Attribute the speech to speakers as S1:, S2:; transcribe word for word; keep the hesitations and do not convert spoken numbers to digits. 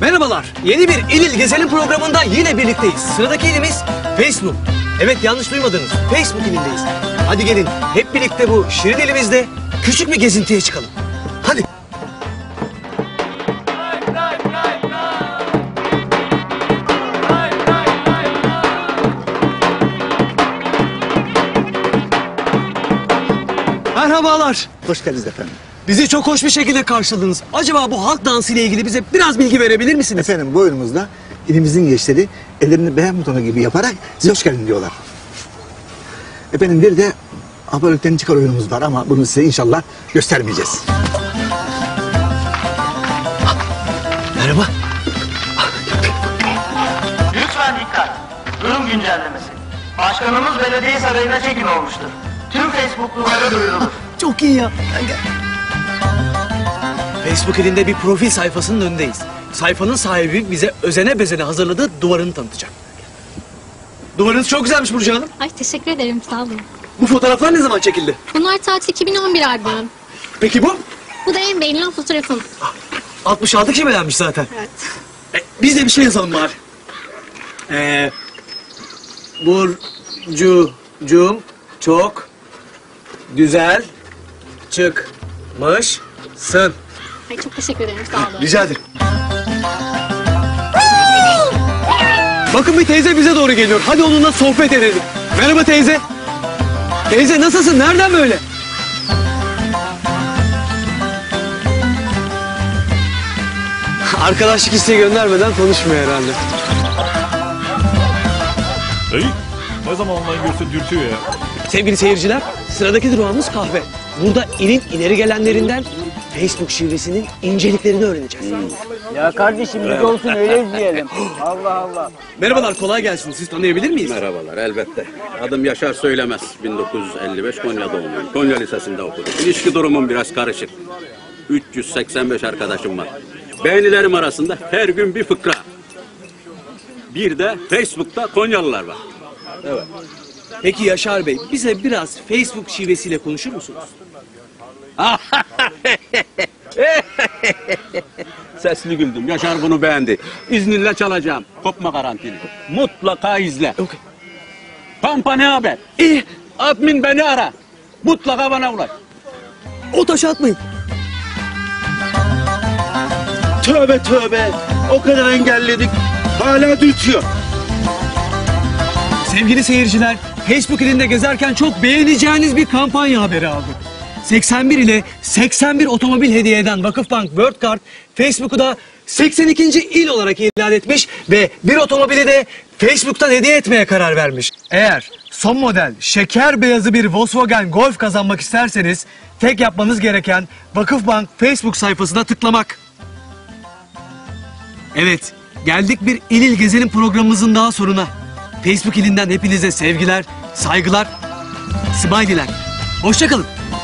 S1: Merhabalar. Yeni bir İl İl Gezelim programında yine birlikteyiz. Sıradaki ilimiz Facebook. Evet, yanlış duymadınız. Facebook ilindeyiz. Hadi gelin hep birlikte bu şirin ilimizde küçük bir gezintiye çıkalım. Hadi. Merhabalar.
S2: Hoş geldiniz efendim.
S1: Bizi çok hoş bir şekilde karşıladınız. Acaba bu halk dansı ile ilgili bize biraz bilgi verebilir misiniz?
S2: Efendim bu oyunumuzda ilimizin gençleri ellerini beğen butonu gibi yaparak size hoş geldin diyorlar. Efendim bir de abonelikten çıkar oyunumuz var ama bunu size inşallah göstermeyeceğiz.
S1: Merhaba.
S3: Lütfen dikkat. Durum güncellemesi. Başkanımız belediye sarayına çekin olmuştur. Tüm Facebook'lulara duyurulur.
S1: Çok iyi ya. Facebook elinde bir profil sayfasının önündeyiz. Sayfanın sahibi bize özene bezene hazırladığı duvarını tanıtacak. Duvarınız çok güzelmiş Burcu Hanım.
S4: Ay teşekkür ederim, sağ olun.
S1: Bu fotoğraflar ne zaman çekildi?
S4: Bunlar tatil iki bin on bir albümüm.
S1: Peki bu?
S4: Bu da en beğenilen fotoğrafım.
S1: altmış altı kişi beğenmiş zaten.
S4: Evet.
S1: E, biz de bir şey yazalım bari. Ee, Burcu'cum çok güzel çıkmışsın.
S4: Ay çok teşekkür ederim, sağ olun.
S1: Rica ederim. Bakın bir teyze bize doğru geliyor. Hadi onunla sohbet edelim. Merhaba teyze. Teyze nasılsın? Nereden böyle? Arkadaşlık isteği göndermeden konuşmuyor herhalde.
S5: Dayı, ne zaman online görse dürtüyor ya.
S1: Sevgili seyirciler, sıradaki durağımız kahve. Burada ilin ileri gelenlerinden Facebook şivesinin inceliklerini öğreneceğiz.
S6: Ya kardeşim biz olsun öyle izleyelim. Allah Allah.
S1: Merhabalar, kolay gelsin. Siz tanıyabilir miyiz?
S7: Merhabalar, elbette. Adım Yaşar Söylemez. bin dokuz yüz elli beş Konya doğumluyum. Konya Lisesi'nde okudum. İlişki durumum biraz karışık. üç yüz seksen beş arkadaşım var. Beğenilerim arasında her gün bir fıkra. Bir de Facebook'ta Konyalılar var.
S1: Evet. Peki Yaşar Bey, bize biraz Facebook şivesiyle konuşur musunuz?
S7: Sesli güldüm. Yaşar bunu beğendi. İzninle çalacağım. Kopma garantili. Mutlaka izle.
S1: Okay.
S7: Pampa ne haber? İyi. Admin beni ara. Mutlaka bana ulaş.
S1: O taşı atmayın.
S7: Tövbe tövbe. O kadar engelledik. Hala dürtüyor.
S1: Sevgili seyirciler, Facebook ilinde gezerken çok beğeneceğiniz bir kampanya haberi aldık. seksen bir ile seksen bir otomobil hediye eden Vakıfbank World Card, Facebook'u da seksen ikinci il olarak ilan etmiş ve bir otomobili de Facebook'tan hediye etmeye karar vermiş. Eğer son model şeker beyazı bir Volkswagen Golf kazanmak isterseniz tek yapmanız gereken Vakıfbank Facebook sayfasına tıklamak. Evet, geldik bir İl İl Gezelim programımızın daha sonuna. Facebook ilinden hepinize sevgiler, saygılar, smiley'ler. Hoşça kalın.